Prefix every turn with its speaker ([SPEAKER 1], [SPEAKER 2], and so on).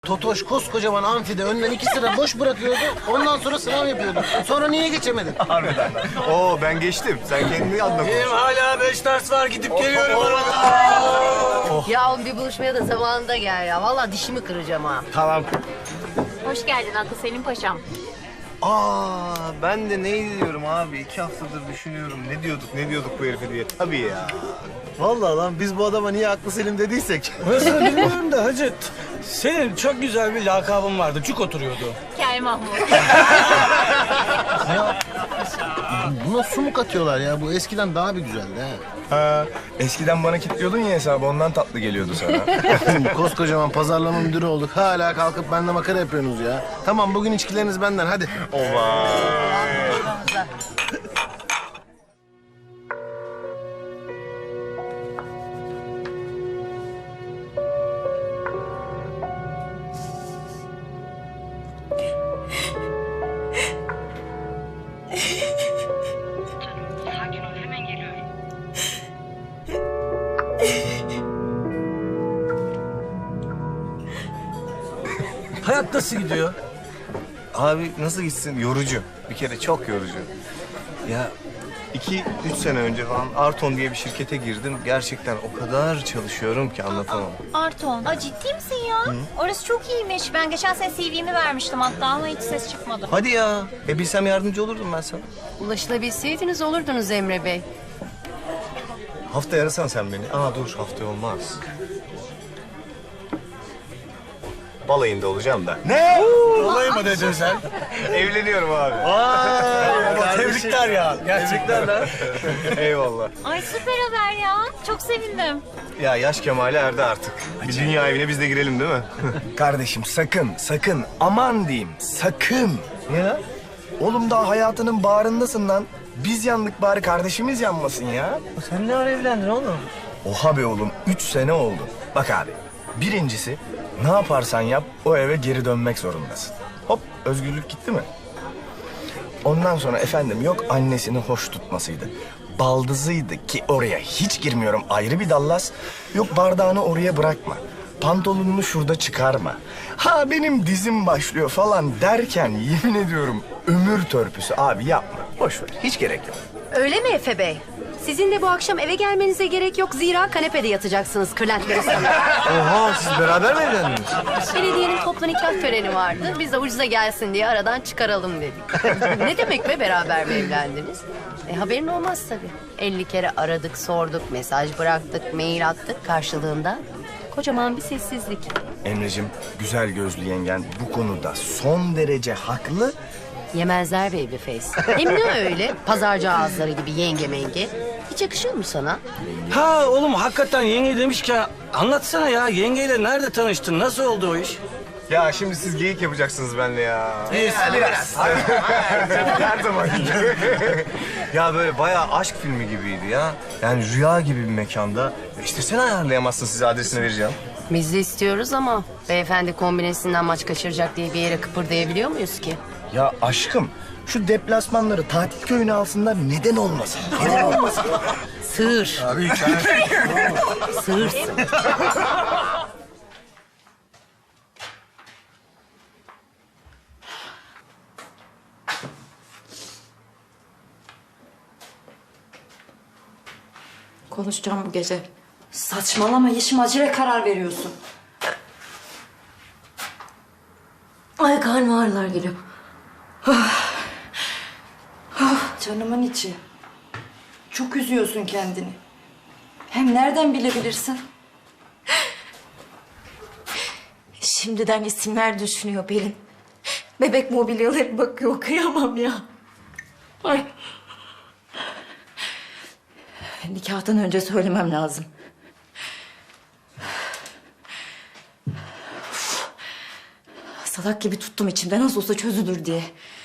[SPEAKER 1] Totoş koskocaman amfide önden 2 sıra boş bırakıyordu. Ondan sonra sınav yapıyordu. Sonra niye geçemedin?
[SPEAKER 2] Harbiden. Oo ben geçtim. Sen kendini adına konuş.
[SPEAKER 3] Benim hala 5 ders var gidip geliyorum arada.
[SPEAKER 4] Ya oğlum bir buluşmaya da zamanında gel ya. Vallahi dişimi kıracağım ha.
[SPEAKER 2] Tamam.
[SPEAKER 5] Hoş geldin Aklı Selim Paşam.
[SPEAKER 2] Ben de ne diyorum abi? 2 haftadır düşünüyorum. Ne diyorduk bu herife diye. Tabii ya.
[SPEAKER 1] Vallahi lan biz bu adama niye aklı selim dediysek.
[SPEAKER 3] Orasını bilmiyorum da hacı. Senin çok güzel bir lakabın vardı. Cuk oturuyordu.
[SPEAKER 5] Kel Mahmut.
[SPEAKER 1] Buna su mu katıyorlar ya? Bu eskiden daha bir güzeldi ha.
[SPEAKER 2] Ha, eskiden bana kilitliyordun ya hesabı. Ondan tatlı geliyordu sana.
[SPEAKER 1] Koskocaman pazarlama müdürü olduk. Hala kalkıp benimle makara yapıyorsunuz ya. Tamam bugün içkileriniz benden hadi.
[SPEAKER 6] Sakin ol, hemen geliyorum.
[SPEAKER 3] Hayat nasıl gidiyor?
[SPEAKER 2] Abi nasıl gitsin? Yorucu. Bir kere çok yorucu. Ya 2-3 sene önce falan Arton diye bir şirkete girdim. Gerçekten o kadar çalışıyorum ki anlatamam.
[SPEAKER 5] Arton. Aa, ciddi misin ya? Orası çok iyiymiş. Ben geçen sene CV'mi vermiştim hatta ama hiç ses çıkmadı.
[SPEAKER 2] Hadi ya. Bilsem yardımcı olurdum ben sana.
[SPEAKER 4] Ulaşılabilseydiniz olurdunuz Emre Bey.
[SPEAKER 2] Haftaya arasan sen beni. Dur haftaya olmaz. Balayında olacağım da. Ne?
[SPEAKER 3] Olayı mı dedin sen?
[SPEAKER 2] Evleniyorum abi.
[SPEAKER 3] Tebrikler ya. Gerçekten lan.
[SPEAKER 2] Eyvallah.
[SPEAKER 5] Ay süper haber ya. Çok sevindim.
[SPEAKER 2] Ya yaş kemale erdi artık. Bir dünya evine biz de girelim değil mi?
[SPEAKER 7] Kardeşim sakın aman diyeyim sakın.
[SPEAKER 2] Niye lan?
[SPEAKER 7] Oğlum daha hayatının bağrındasın lan. Biz yandık bari kardeşimiz yanmasın ya.
[SPEAKER 3] Sen ne ara evlendin oğlum?
[SPEAKER 7] Oha be oğlum 3 sene oldu. Bak abi birincisi ne yaparsan yap o eve geri dönmek zorundasın. Hop özgürlük gitti mi? Ondan sonra efendim yok annesini hoş tutmasıydı. Baldızıydı ki oraya hiç girmiyorum ayrı bir dallas. Yok bardağını oraya bırakma. Pantolonunu şurada çıkarma. Ha benim dizim başlıyor falan derken yemin ediyorum ömür törpüsü abi yapma. Boş ver hiç gerek yok.
[SPEAKER 4] Öyle mi Efe Bey? Sizin de bu akşam eve gelmenize gerek yok. Zira kanepede yatacaksınız kırlentleri sana.
[SPEAKER 2] Oha siz beraber mi evlendiniz?
[SPEAKER 4] Belediyenin toplu nikah töreni vardı. Biz de ucuza gelsin diye aradan çıkaralım dedik. Ne demek be beraber mi evlendiniz? Haberin olmaz tabii. 50 kere aradık, sorduk, mesaj bıraktık, mail attık. Karşılığında kocaman bir sessizlik.
[SPEAKER 7] Emre'cim güzel gözlü yengen bu konuda son derece haklı.
[SPEAKER 4] Yemezler babyface. Hem ne öyle? Pazarcı ağızları gibi yenge menge. Hiç yakışıyor mu sana?
[SPEAKER 3] Ha oğlum hakikaten yenge demişken anlatsana ya. Yengeyle nerede tanıştın? Nasıl oldu o iş?
[SPEAKER 2] Ya şimdi siz geyik yapacaksınız benimle ya.
[SPEAKER 3] Biraz.
[SPEAKER 2] Her zaman gibi. Ya böyle bayağı aşk filmi gibiydi ya. Yani rüya gibi bir mekanda. İşte sen ayarlayamazsın size adresini vereceğim.
[SPEAKER 4] Biz de istiyoruz ama beyefendi kombinesinden maç kaçıracak diye bir yere kıpırdayabiliyor muyuz ki?
[SPEAKER 7] Ya aşkım şu deplasmanları tatil köyüne alsınlar neden olmasın? Neden olmasın?
[SPEAKER 4] Sığır. Sığırsın.
[SPEAKER 8] Konuşacağım bu gece. Saçmalama Yeşim acele karar veriyorsun. Ay karnım ağrılar geliyor. Canımın içi. Çok üzüyorsun kendini. Hem nereden bilebilirsin? Şimdiden isimler düşünüyor Pelin. Bebek mobilyaları bakıyor kıyamam ya. Ay. Nikahtan önce söylemem lazım. Salak gibi tuttum içimde nasıl olsa çözülür diye.